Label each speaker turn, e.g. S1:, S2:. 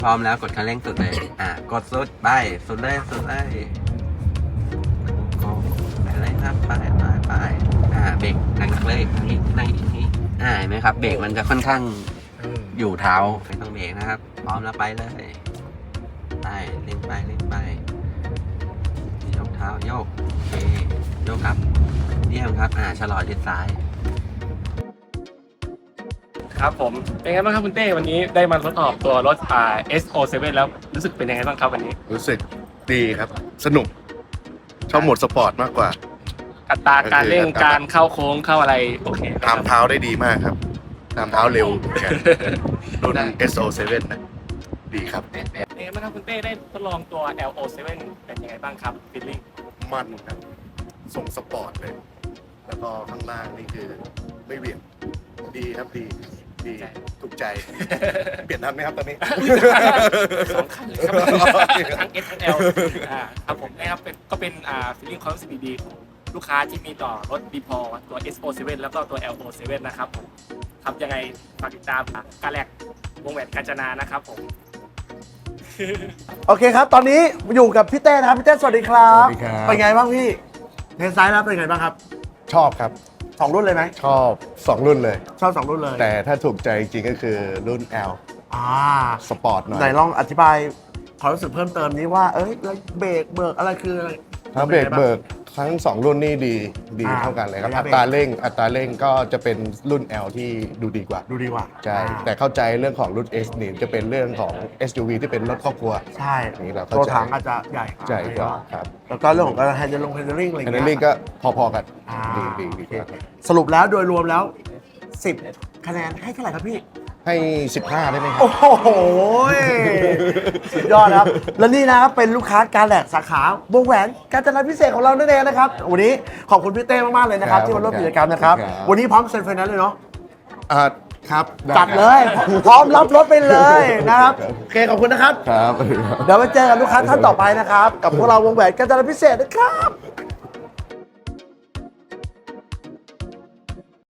S1: พร้อมแล้วกดคันเร่งสุดเลยกดสุดไปสุดเลยสุดเลยโอ้ไปเลยครับไปเบรกหนักๆเลยทางนี้เห็นไหมครับเบรกมันจะค่อนข้างอยู่เท้าไม่ต้องเบรกนะครับพร้อมแล้วไปเลยไปเล่นไปยกเท้าโยกโอเคโยกครับเยี่ยมครับชะลอชิดซ้าย
S2: ครับผมเป็นไงบ้างครับคุณเต้วันนี้ได้มาทดสอบตัวรถSO7 แล้วรู้สึกเป็นยังไงบ้างครับวันนี้
S3: รู้สึกดีครับสนุกชอบโหมดสปอร์ตมากกว่า
S2: อัตราการเร่งการเข้าโค้งเข้าอะไรโอเค
S3: ตามเท้าได้ดีมากครับตามเท้าเร็วเหมือนกันรุ่น SO7 นะดีครับ
S2: เป็นไงบ้างครับคุณเต้ได้ทดลองตัว LO7 เป็นยังไงบ้างครับฟีลลิ่ง
S3: มันครับส่งสปอร์ตเลย แล้วก็ข้างล่างนี่คือไม่เหวี่ยงดีครับดีถูกใจ เปลี่ยนทันไหมครับตอนนี้
S2: สองคันเลยครับทั้ง S ทั้ง L ครับผมนะครับก็เป็นฟีลลิ่งความรู้สึกดีๆของลูกค้าที่มีต่อรถ B-Pro ตัว SO7 แล้วก็ตัว LO7 นะครับผมครับยังไงฝากติดตามการแลกวงแหวนกาญจนานะครับผม
S4: โอเคครับ ตอนนี้อยู่กับพี่เต้นะครับพี่เต้สวัสดีครับ
S3: สวัสดีครับ
S4: เป็นไงบ้างพี่เทสไซด์แล้วเป็นไงบ้างครับ
S3: ชอบครับ
S4: 2 รุ่นเลยไหม
S3: ชอบ2รุ่นเลย
S4: ชอบ2 รุ่นเลย
S3: แต่ถ้าถูกใจจริงก็คือรุ่น L
S4: อ่า
S3: สปอร์ตหน่อย
S4: ไหนลองอธิบายความรู้สึกเพิ่มเติมนี้ว่าแล้วเบรกเบิกอะไรคืออะไร
S3: ทั้งเบรกเบิกทั้ง2รุ่นนี่ดีเท่ากันเลยครับ
S4: ระยะ
S3: อั
S4: เบรก
S3: ตราเร่งก็จะเป็นรุ่น L ที่ดูดีกว่า
S4: ดูดีกว่า
S3: ใช่ แต่เข้าใจเรื่องของรุ่น S นี่จะเป็นเรื่องของ SUV ที่เป็นรถครอบครัว
S4: ใช่
S3: นี่เราเข้าใจ
S4: ตัวถังอาจจะใหญ่
S3: ใช่ครับครับ
S4: แล้วก็เรื่องของการแฮนด์ลิ่งอะไรอ
S3: อั
S4: ย่าน ง
S3: นั้น
S4: เงี้
S3: นี่
S4: ย
S3: ก็พอๆกัน
S4: อ่า
S3: ดีครับ
S4: สรุปแล้วโดยรวมแล้ว 10 คะแนนให้เท่าไหร่ครับพี่
S3: ให้ 15 ได้ไหมครั
S4: โอ้
S3: บ
S4: โหสุดยอดครับ และนี่นะครับเป็นลูกค้าการแหลกสาขาวงแหวนกาญจนาพิเศษของเรานั่นเองนะครับ วันนี้ขอบคุณพี่เต้มาก ๆ เลยนะครับ ที่มาร่วมกิจกรรมนะครับ วันนี้พร้อมเซ็นไฟแนนซ์เลยเนาะ
S3: ครับ
S4: จัดเลย พร้อมรับรถไปเลยนะครับโอเคขอบคุณนะครับ
S3: ครับ
S4: เดี๋ยวไปเจอกับลูกค้าท่านต่อไปนะครับ กับพวกเราวงแหวนกาญจนาพิเศษนะครับ